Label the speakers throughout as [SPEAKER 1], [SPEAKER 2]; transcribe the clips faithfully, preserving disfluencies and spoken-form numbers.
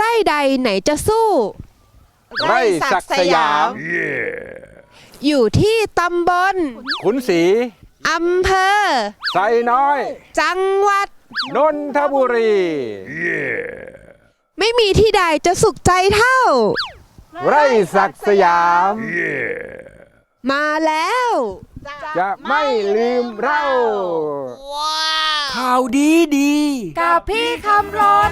[SPEAKER 1] ร่ใดไหนจะสู้
[SPEAKER 2] ไร่ศักดิ์สยาม
[SPEAKER 1] อยู่ที่ตำบล
[SPEAKER 2] ขุนศรี
[SPEAKER 1] อำเภอ
[SPEAKER 2] ไซน้อย
[SPEAKER 1] จังหวัด
[SPEAKER 2] นนทบุรี
[SPEAKER 1] ไม่มีที่ใดจะสุขใจเท่า
[SPEAKER 2] ไร่ศักดิ์สยาม
[SPEAKER 1] มาแล้ว
[SPEAKER 2] จะไม่ลืมเรา
[SPEAKER 3] ข่าวดีดี
[SPEAKER 1] กับพี่คำรน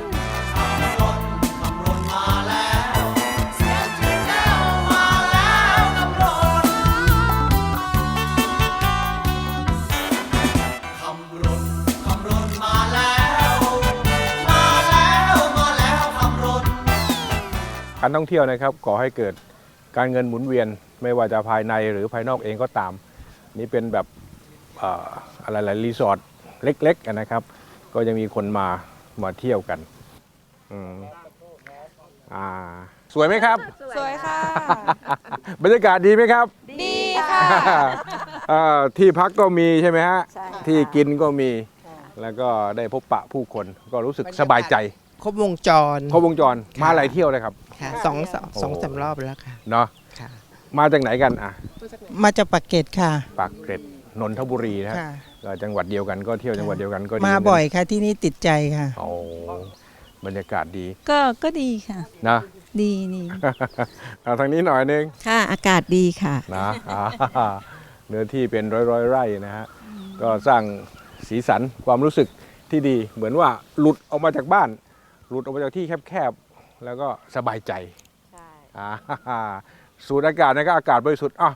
[SPEAKER 2] การท่องเที่ยวนะครับก่อให้เกิดการเงินหมุนเวียนไม่ว่าจะภายในหรือภายนอกเองก็ตามนี่เป็นแบบเอ่ออะไรหลายรีสอร์ทเล็กๆนะครับก็ยังมีคนมามาเที่ยวกันอืมอ่าสวยไหมครับ
[SPEAKER 1] สวยค่ะ
[SPEAKER 2] บรรยากาศดีไหมครับ
[SPEAKER 1] ดีค่ะ
[SPEAKER 2] อ่าที่พักก็มีใช่ไหมฮะที่กินก็มีแล้วก็ได้พบปะผู้คนก็รู้สึกสบายใจ
[SPEAKER 3] ครบวงจร
[SPEAKER 2] ครบวงจรมาหลายเที่ยวเลยครับ
[SPEAKER 3] ค่ะสองสองสองสามรอบแล้วค่ะ
[SPEAKER 2] เนาะ
[SPEAKER 3] ค่ะ
[SPEAKER 2] มาจากไหนกันอ่ะ
[SPEAKER 3] มาจากปากเกร็ดค่ะ
[SPEAKER 2] ปากเกร็ดนนทบุรีนะฮะ
[SPEAKER 3] ค่ะ
[SPEAKER 2] ก็จังหวัดเดียวกันก็เที่ยวจังหวัดเดียวกันก็ดี
[SPEAKER 3] มาบ่อยค่ะที่นี่ติดใจค่ะ
[SPEAKER 2] โอ้บรรยากาศดี
[SPEAKER 4] ก็ก็ดีค่ะ
[SPEAKER 2] นะ
[SPEAKER 4] ดีนี่
[SPEAKER 2] เอาทางนี้หน่อยนึง
[SPEAKER 4] ค่ะอากาศดีค่ะ
[SPEAKER 2] นะอ่าเนื้อที่เป็นร้อยร้อยๆไร่นะฮะก็สร้างสีสันความรู้สึกที่ดีเหมือนว่าหลุดออกมาจากบ้านหลุดออกมาจากที่แคบๆแล้วก็สบายใจอ่าสูดอากาศนะครับอากาศบริสุทธิ์อ่ะ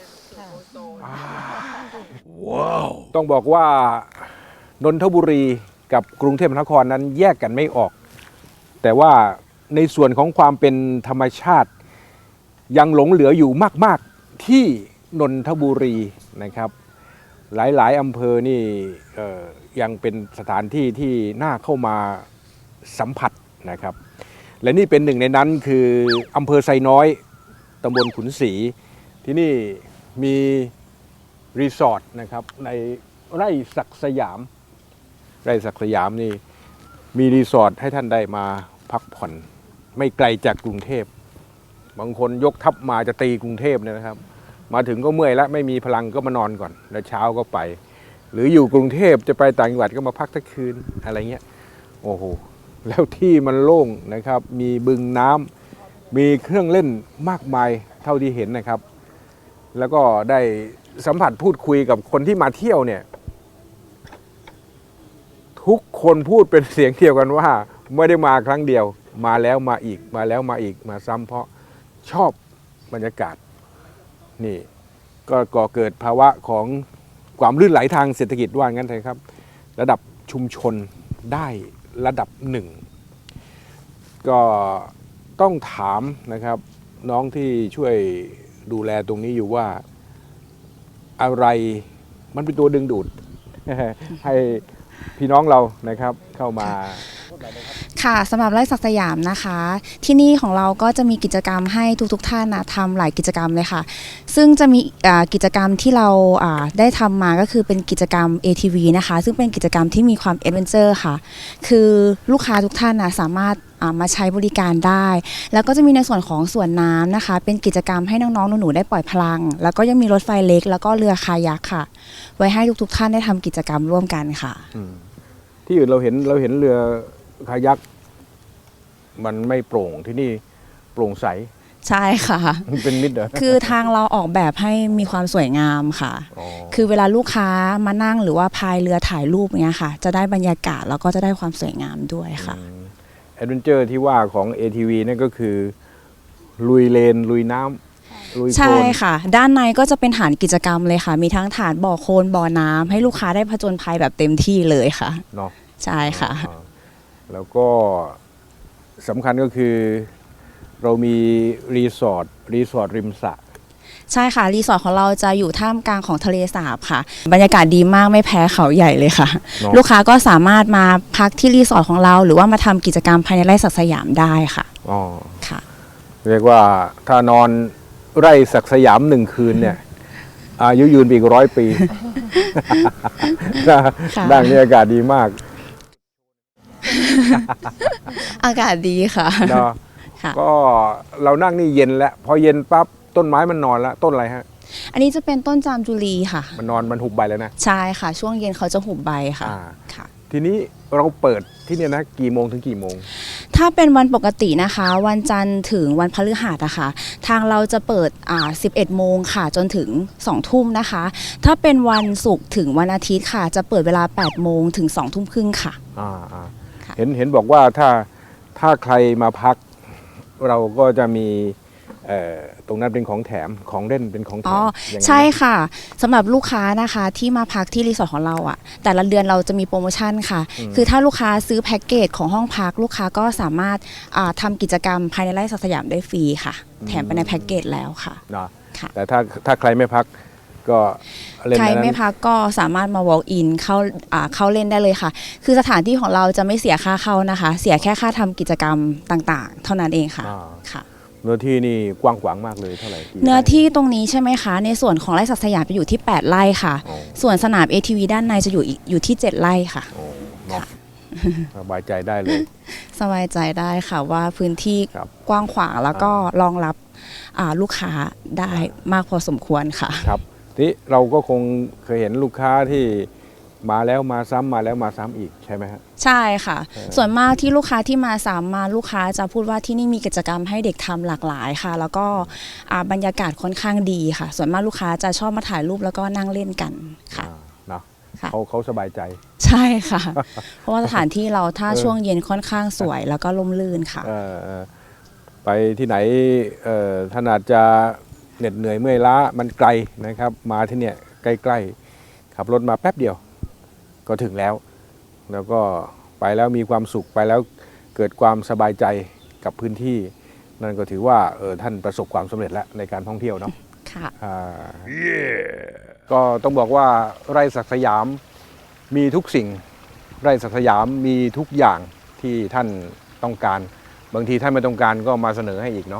[SPEAKER 2] ว้าวต้องบอกว่านนทบุรีกับกรุงเทพมหานครนั้นแยกกันไม่ออก แต่ว่าในส่วนของความเป็นธรรมชาติยังหลงเหลืออยู่มากๆที่นนทบุรีนะครับหลายๆอำเภอนี่เอ่อยังเป็นสถานที่ที่น่าเข้ามาสัมผัสนะครับและนี่เป็นหนึ่งในนั้นคืออำเภอไซน้อยตำบลขุนศรีที่นี่มีรีสอร์ทนะครับในไร่ศักดิ์สยามไร่ศักดิ์สยามนี่มีรีสอร์ทให้ท่านได้มาพักผ่อนไม่ไกลจากกรุงเทพบางคนยกทัพมาจะตีกรุงเทพเนี่ยนะครับมาถึงก็เมื่อยแล้วไม่มีพลังก็มานอนก่อนแล้วเช้าก็ไปหรืออยู่กรุงเทพจะไปต่างจังหวัดก็มาพักทั้งคืนอะไรเงี้ยโอ้โหแล้วที่มันโล่งนะครับมีบึงน้ำมีเครื่องเล่นมากมายเท่าที่เห็นนะครับแล้วก็ได้สัมผัสพูดคุยกับคนที่มาเที่ยวเนี่ยทุกคนพูดเป็นเสียงเดียวกันว่าไม่ได้มาครั้งเดียวมาแล้วมาอีกมาแล้วมาอีกมาซ้ำเพราะชอบบรรยากาศนี่ก็ก่อเกิดภาวะของความลื่นไหลทางเศรษฐกิจว่างั้นเลยครับระดับชุมชนได้ระดับหนึ่งก็ต้องถามนะครับน้องที่ช่วยดูแลตรงนี้อยู่ว่าอะไรมันเป็นตัวดึงดูด ให้พี่น้องเรานะครับเข้ามา
[SPEAKER 5] ค่ะสำหรับไร่ศักดิ์สยามนะคะ ที่นี่ของเราก็จะมีกิจกรรมให้ทุกๆท่านนะทำหลายกิจกรรมเลยค่ะซึ่งจะมีกิจกรรมที่เราได้ทำมาก็คือเป็นกิจกรรม เอ ที วี นะคะซึ่งเป็นกิจกรรมที่มีความแอดเวนเจอร์ค่ะคือลูกค้าทุกท่านนะสามารถมาใช้บริการได้แล้วก็จะมีในส่วนของสวนน้ำนะคะเป็นกิจกรรมให้น้องๆหนูๆได้ปล่อยพลังแล้วก็ยังมีรถไฟเล็กแล้วก็เรือคายักค่ะไว้ให้ทุกๆท่านได้ทำกิจกรรมร่วมกันค่ะ
[SPEAKER 2] ที่อื่นเราเห็นเราเห็นเรือคายักมันไม่โปร่งที่นี่โปร่งใส
[SPEAKER 5] ใช่ค่ะ
[SPEAKER 2] เป็นมิตรเหรอ
[SPEAKER 5] คือทางเราออกแบบให้มีความสวยงามค่ะคือเวลาลูกค้ามานั่งหรือว่าพายเรือถ่ายรูปเนี้ยค่ะจะได้บรรยากาศแล้วก็จะได้ความสวยงามด้วยค่ะ
[SPEAKER 2] แอดเวนเจอร์ที่ว่าของ เอ ที วี นั่นก็คือลุยเลนลุยน้ำลุยโคลน
[SPEAKER 5] ใช่ค่ะด้านในก็จะเป็นฐานกิจกรรมเลยค่ะมีทั้งฐานบ่อโคลนบ่อน้ำให้ลูกค้าได้ผจญภัยแบบเต็มที่เลยค่ะ
[SPEAKER 2] เนาะ
[SPEAKER 5] ใช่ค่ะ
[SPEAKER 2] แล้วก็สำคัญก็คือเรามีรีสอร์ทรีสอร์ทริมสระ
[SPEAKER 5] ใช่ค่ะรีสอร์ทของเราจะอยู่ท่ามกลางของทะเลสาบค่ะบรรยากาศดีมากไม่แพ้เขาใหญ่เลยค่ะลูกค้าก็สามารถมาพักที่รีสอร์ทของเราหรือว่ามาทำกิจกรรมภายในไร่ศักดิ์สยามได้ค่ะ
[SPEAKER 2] อ๋อ
[SPEAKER 5] ค่ะ
[SPEAKER 2] เรียกว่าถ้านอนไร่ศักดิ์สยามหนึ่งคืนเนี่ยอายุยืนอีกร้อยปีได้บรรยากาศดีมาก
[SPEAKER 5] อากาศดีค่ะ
[SPEAKER 2] เนาะ
[SPEAKER 5] ค่ะ
[SPEAKER 2] ก็เรานั่งนี่เย็นแล้วพอเย็นปั๊บต้นไม้มันนอนแล้วต้นอะไรฮะ
[SPEAKER 5] อันนี้จะเป็นต้นจามจุลีค่ะ
[SPEAKER 2] มันนอนมันหุบใบแล้วนะ
[SPEAKER 5] ใช่ค่ะ ช่วงเย็นเขาจะหุบใบค่ะ
[SPEAKER 2] อ่า
[SPEAKER 5] ค่ะ
[SPEAKER 2] ทีนี้เราเปิดที่เนี่ยนะกี่โมงถึงกี่โมง
[SPEAKER 5] ถ้าเป็นวันปกตินะคะ วันจันทร์ถึงวันพฤหัสอะค่ะทางเราจะเปิดอ่าสิบเอ็ดโมงค่ะ จนถึงสองทุ่มนะคะ ถ้าเป็นวันศุกร์ถึงวันอาทิตย์ค่ะ จะเปิดเวลาแปดโมงถึงสองทุ่มครึ่งค่ะ
[SPEAKER 2] อ่าอ่า
[SPEAKER 5] ค่ะ
[SPEAKER 2] เห็นเห็นบอกว่าถ้าถ้าใครมาพัก เราก็จะมีเอ่อตรงนั้นเป็นของแถมของเล่นเป็นของแถ
[SPEAKER 5] อ๋อ
[SPEAKER 2] มอย่างนั้น
[SPEAKER 5] ใช่
[SPEAKER 2] ไหม
[SPEAKER 5] ค่ะสำหรับลูกค้านะคะที่มาพักที่รีสอร์ทของเราอะแต่ละเดือนเราจะมีโปรโมชั่นค่ะ
[SPEAKER 2] อืม
[SPEAKER 5] คือถ้าลูกค้าซื้อแพ็กเกจของห้องพัก ลูกค้าก็สามารถอ่าทำกิจกรรมภายในไร่สักสยามได้ฟรีค่ะ แถมไปในแพ็กเกจแล้วค่ะ
[SPEAKER 2] เนาะ
[SPEAKER 5] ค่ะ
[SPEAKER 2] แต่ถ้าถ้าใครไม่พักก็เล่น
[SPEAKER 5] ใคร
[SPEAKER 2] ในนั้น
[SPEAKER 5] ไม่พักก็สามารถมา walk in เข้าอ่าเข้าเล่นได้เลยค่ะ คือสถานที่ของเราจะไม่เสียค่าเข้านะคะ เสียแค่ค่าทำกิจกรรมต่างๆ เท่านั้นเองค่ะ
[SPEAKER 2] อ่า
[SPEAKER 5] ค่ะ
[SPEAKER 2] เนื้อที่นี่กว้างขวางมากเลยเท่าไหร่กี่
[SPEAKER 5] เนื้อ
[SPEAKER 2] ไร่
[SPEAKER 5] ที่ตรงนี้ใช่ไหมคะ ในส่วนของไร่ศักดิ์สยามจะอยู่ที่แปดไร่ค่ะ
[SPEAKER 2] อ๋อ
[SPEAKER 5] ส่วนสนาม เอ ที วี ด้านในจะอยู่อีกอยู่ที่เจ็ดไร่ค่ะ
[SPEAKER 2] โอ้เนาะสบายใจได้เลย
[SPEAKER 5] สบายใจได้ค่ะว่าพื้นที่
[SPEAKER 2] ครับ
[SPEAKER 5] กว้างขวางแล้วก็รองรับอ่าลูกค้าได้มากพอสมควรค่ะ
[SPEAKER 2] ครับนี่เราก็คงเคยเห็นลูกค้าที่มาแล้วมาซ้ำมาแล้วมาซ้ำอีกใช่ไหมฮะ
[SPEAKER 5] ใช่ค่ะ
[SPEAKER 2] เออ
[SPEAKER 5] ส่วนมากที่ลูกค้าที่มาสามมาลูกค้าจะพูดว่าที่นี่มีกิจกรรมให้เด็กทำหลากหลายค่ะ แล้วก็อ่าบรรยากาศค่อนข้างดีค่ะ ส่วนมากลูกค้าจะชอบมาถ่ายรูปแล้วก็นั่งเล่นกันค่ะ
[SPEAKER 2] อ่าเนาะ
[SPEAKER 5] ค่ะ
[SPEAKER 2] เขาเขาสบายใจ
[SPEAKER 5] ใช่ค่ะ เพราะว่าสถานที่เราถ้า
[SPEAKER 2] เออ
[SPEAKER 5] ช่วงเย็นค่อนข้างสวยแล้วก็ร่มรื่นค่ะ
[SPEAKER 2] เอ่อเอ่อไปที่ไหนเอ่อท่านอาจจะเหน็ดเหนื่อยเมื่อยล้ามันไกลนะครับ มาที่เนี่ยใกล้ๆขับรถมาแป๊บเดียว ก็ถึงแล้ว แล้วก็ไปแล้วมีความสุขไปแล้วเกิดความสบายใจกับพื้นที่ นั่นก็ถือว่าเออท่านประสบความสำเร็จแล้วในการท่องเที่ยวเนาะ
[SPEAKER 5] ค่ะ
[SPEAKER 2] อ่าก็ต้องบอกว่าไร่ศักดิ์สยามมีทุกสิ่ง ไร่ศักดิ์สยามมีทุกอย่างที่ท่านต้องการ บางทีท่านไม่ต้องการก็มาเสนอให้อีกเนาะ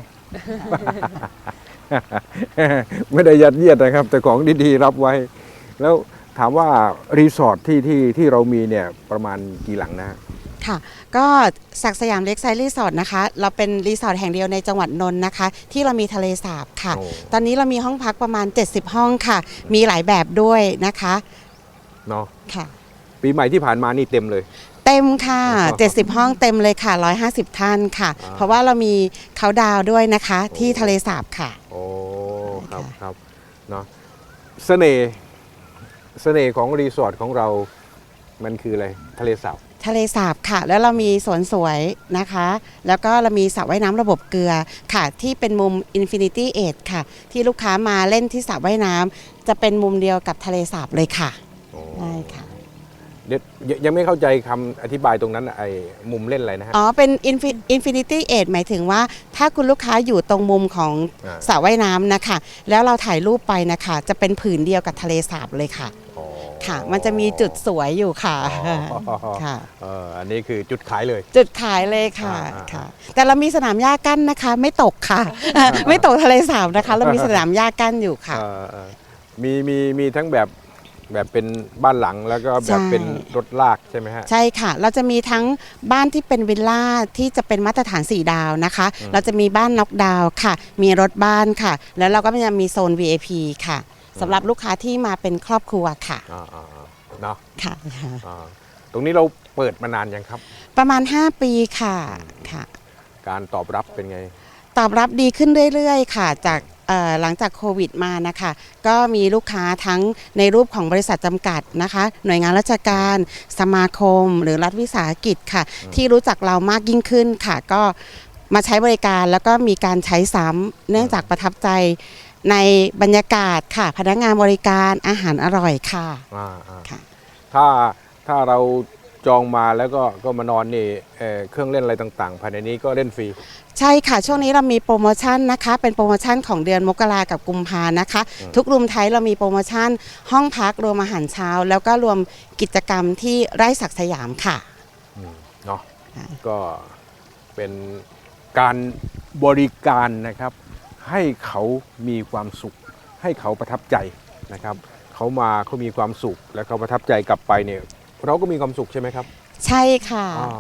[SPEAKER 2] ไม่ได้ยัดเยียดนะครับ แต่ของดีๆรับไว้ แล้วถามว่ารีสอร์ทที่ที่ที่เรามีเนี่ยประมาณกี่หลังนะฮะ
[SPEAKER 6] ค่ะก็ศักดิ์สยามเล็กไซด์รีสอร์ทนะคะเราเป็นรีสอร์ทแห่งเดียวในจังหวัดนนท์นะคะ ที่เรามีทะเลสาบค่ะ
[SPEAKER 2] โอ้
[SPEAKER 6] ตอนนี้เรามีห้องพักประมาณ เจ็ดสิบ ห้องค่ะ มีหลายแบบด้วยนะคะ
[SPEAKER 2] เนาะ
[SPEAKER 6] ค่ะ
[SPEAKER 2] ปีใหม่ที่ผ่านมานี่เต็มเลย
[SPEAKER 6] เต็มค่ะ
[SPEAKER 2] อ๋อ
[SPEAKER 6] เจ็ดสิบ ห้องเต็มเลยค่ะหนึ่งร้อยห้าสิบท่านค่ะ
[SPEAKER 2] อ่า
[SPEAKER 6] เพราะว่าเรามีเขาดาวน์ด้วยนะคะ
[SPEAKER 2] โอ้
[SPEAKER 6] ที่ทะเลสาบค่ะ
[SPEAKER 2] โอ้ครับ
[SPEAKER 6] ค่ะ
[SPEAKER 2] ครับเนาะเสน่ห์เสน่ห์ของรีสอร์ทของเรามันคืออะไรทะเลสาบ
[SPEAKER 6] ทะเลสาบค่ะ แล้วเรามีสวนสวยนะคะ แล้วก็เรามีสระว่ายน้ำระบบเกลือค่ะ ที่เป็นมุม Infinity Edge ค่ะ ที่ลูกค้ามาเล่นที่สระว่ายน้ำจะเป็นมุมเดียวกับทะเลสาบเลยค่ะ
[SPEAKER 2] โอ้
[SPEAKER 6] ได้ค่ะ
[SPEAKER 2] เดี๋ยวยังยังไม่เข้าใจคำอธิบายตรงนั้นน่ะไอ้มุมเล่นอะไรนะฮะ
[SPEAKER 6] อ๋อ เป็น Infi- Infinity Edge หมายถึงว่าถ้าคุณลูกค้าอยู่ตรงมุมของ
[SPEAKER 2] อ่า
[SPEAKER 6] สระว่ายน้ำนะคะ แล้วเราถ่ายรูปไปนะคะ จะเป็นผืนเดียวกับทะเลสาบเลยค่ะ
[SPEAKER 2] อ๋อ
[SPEAKER 6] ค่ะ มันจะมีจุดสวยอยู่ค่ะ
[SPEAKER 2] อ๋อ
[SPEAKER 6] ค่ะ
[SPEAKER 2] เอออันนี้คือจุดขายเลย
[SPEAKER 6] จุดขายเลยค่ะ
[SPEAKER 2] อ่า
[SPEAKER 6] ค่ะ แต่เรามีสนามหญ้ากั้นนะคะ ไม่ตกค่ะ ไม่ตกทะเลสาบนะคะ เรามีสนามหญ้ากั้นอยู่ค่ะ
[SPEAKER 2] เออเออมีมีมีทั้งแบบแบบเป็นบ้านหลังแล้วก็แบบ
[SPEAKER 6] ใช่
[SPEAKER 2] เป็นรถลากใช่ไหมฮะ
[SPEAKER 6] ใช่ค่ะ เราจะมีทั้งบ้านที่เป็นวิลล่าที่จะเป็นมาตรฐานสี่ดาวนะคะ
[SPEAKER 2] อืม
[SPEAKER 6] เราจะมีบ้านน็อกดาวน์ค่ะ มีรถบ้านค่ะ แล้วเราก็จะมีโซน วี ไอ พี ค่ะสำหรับลูกค้าที่มาเป็นครอบครัวค่ะ
[SPEAKER 2] อ่าอ่าอ่าเนาะ
[SPEAKER 6] ค่ะ
[SPEAKER 2] อ่าตรงนี้เราเปิดมานานยังครับ
[SPEAKER 6] ประมาณ ห้า ปีค่ะค่ะ
[SPEAKER 2] การตอบรับเป็นไง
[SPEAKER 6] ตอบรับดีขึ้นเรื่อยๆ ค่ะ จากเอ่อหลังจากโควิดมานะคะ ก็มีลูกค้าทั้งในรูปของบริษัทจำกัดนะคะ หน่วยงานราชการ สมาคม หรือรัฐวิสาหกิจค่ะ ที่รู้จักเรามากยิ่งขึ้นค่ะ ก็มาใช้บริการแล้วก็มีการใช้ซ้ำเนื่องจากประทับใจในบรรยากาศค่ะ พนักงานบริการอาหารอร่อยค่ะ
[SPEAKER 2] อ่าอ่า
[SPEAKER 6] ค่ะ
[SPEAKER 2] ถ้าถ้าเราจองมาแล้วก็ก็มานอนนี่เอ่อเครื่องเล่นอะไรต่างๆ ภายในนี้ก็เล่นฟรี
[SPEAKER 6] ใช่ค่ะ ช่วงนี้เรามีโปรโมชั่นนะคะ เป็นโปรโมชั่นของเดือนมกรากับกุมภานะคะ
[SPEAKER 2] อืม
[SPEAKER 6] ทุกรูมไทยเรามีโปรโมชั่นห้องพักรวมอาหารเช้า แล้วก็รวมกิจกรรมที่ไร่ศักดิ์สยามค่ะ
[SPEAKER 2] อืมเนาะ
[SPEAKER 6] ค่ะ
[SPEAKER 2] ก็เป็นการบริการนะครับ ให้เขามีความสุข ให้เขาประทับใจนะครับ เขามาเขามีความสุขแล้วเขาประทับใจกลับไปเนี่ยเราก็มีความสุขใช่ไหมครับ
[SPEAKER 6] ใช่ค่ะ
[SPEAKER 2] อ่า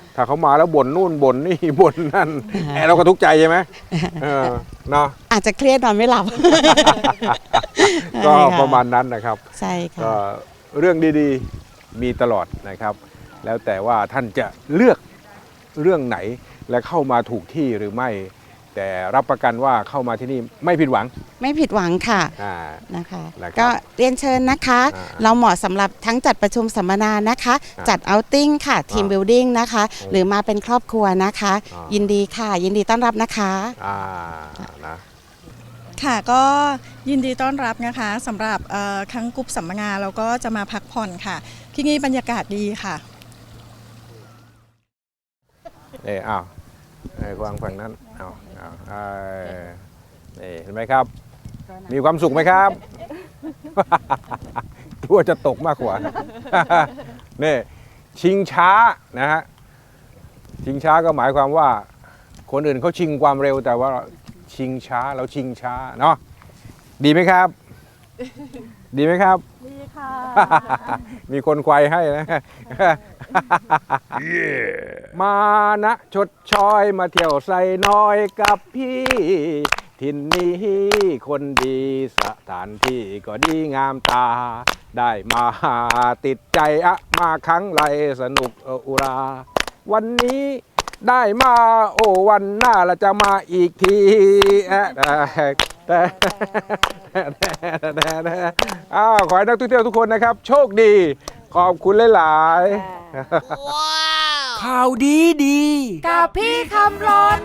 [SPEAKER 2] ถ้าเขามาแล้วบ่นนู่นบ่นนี่ บ่นนั่นไอ้เราก็ทุกข์ใจใช่ไหมเออเนาะ
[SPEAKER 6] อาจจะเครียดนอนไม่หลับ
[SPEAKER 2] ก็
[SPEAKER 6] ใช่ค่ะ
[SPEAKER 2] ประมาณนั้นนะครับ
[SPEAKER 6] ใช่ค่ะ
[SPEAKER 2] ก็เรื่องดีๆมีตลอดนะครับ แล้วแต่ว่าท่านจะเลือกเรื่องไหนและเข้ามาถูกที่หรือไม่ แต่รับประกันว่าเข้ามาที่นี่ไม่ผิดหวัง
[SPEAKER 6] ไม่ผิดหวังค่ะ
[SPEAKER 2] อ่า
[SPEAKER 6] นะคะ
[SPEAKER 2] นะครับ
[SPEAKER 6] ก็เรียนเชิญนะคะ
[SPEAKER 2] อ่า
[SPEAKER 6] เราเหมาะสำหรับทั้งจัดประชุมสัมมนานะคะ
[SPEAKER 2] อ่า
[SPEAKER 6] จัดเอาติ้งค่ะทีม
[SPEAKER 2] อ่า
[SPEAKER 6] บิลดิ้งนะคะ
[SPEAKER 2] อืม
[SPEAKER 6] หรือมาเป็นครอบครัวนะคะ
[SPEAKER 2] อ่ายิ
[SPEAKER 6] ยินดีค่ะ ยินดีต้อนรับนะคะ
[SPEAKER 2] อ่านะ
[SPEAKER 4] ค่ะก็ยินดีต้อนรับนะคะสำหรับเอ่อครั้งกรุ๊ปสัมมนาเราก็จะมาพักผ่อนค่ะ ที่นี่บรรยากาศดีค่ะ
[SPEAKER 2] เอออ้าวไอ้กวางฝั่งนั้นเอาเอาเอ้ยนี่เห็นไหมครับ มีความสุขไหมครับ กลัวจะตกมากกว่า นี่ชิงช้านะฮะชิงช้าก็หมายความว่า คนอื่นเขาชิงความเร็วแต่ว่าชิงช้าเราชิงช้าเนาะดีไหมครับ ดีไหมครับ ดีค่ะ มีคนควายให้นะ มานะชดชอยมาเที่ยวใส่น้อยกับพี่ ทินนี้คนดีสถานที่ก็ดีงามตา ได้มาติดใจอะมาครั้งไรสนุกเอออุรา วันนี้ได้มาโอ้วันหน้าเราจะมาอีกทีแอะแต่แต่แต่แต่อ้าวขอให้นักท่องเที่ยวทุกคนนะครับ โชคดี ขอบคุณหลายๆ ข่าวดีดี
[SPEAKER 1] กับพี่คำรน